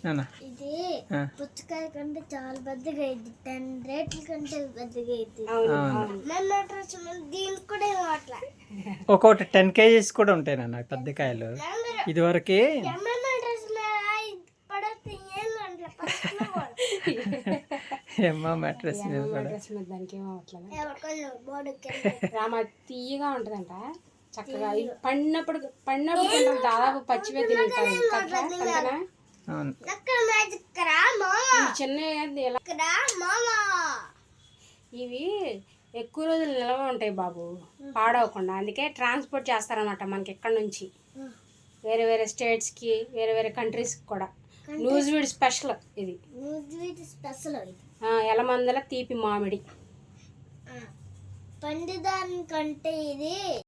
ఇది పుచ్చకాయ కంటే చాలా పెద్దగా అయింది, 10 రేట్ల కంటే పెద్దగా అయింది. దీనికి కూడా ఒక్కొక్కటి 10 kgs కూడా ఉంటాయి నాన్న పెద్ద కాయలు. ఇదివరకు మ్యాట్రెస్ తీయగా ఉంటదంట చక్కగా. పడినప్పుడు దాదాపు పచ్చివే తింటారు చిన్న. ఇవి ఎక్కువ రోజులు నిల్వ ఉంటాయి బాబు, పాడవకుండా. అందుకే ట్రాన్స్పోర్ట్ చేస్తారనమాట మనకి ఇక్కడ నుంచి వేరే వేరే స్టేట్స్కి, వేరే వేరే కంట్రీస్కి కూడా. న్యూజివీడ్ స్పెషల్ ఇది. ఎలమందల తీపి మామిడి పండుదానికంటే ఇది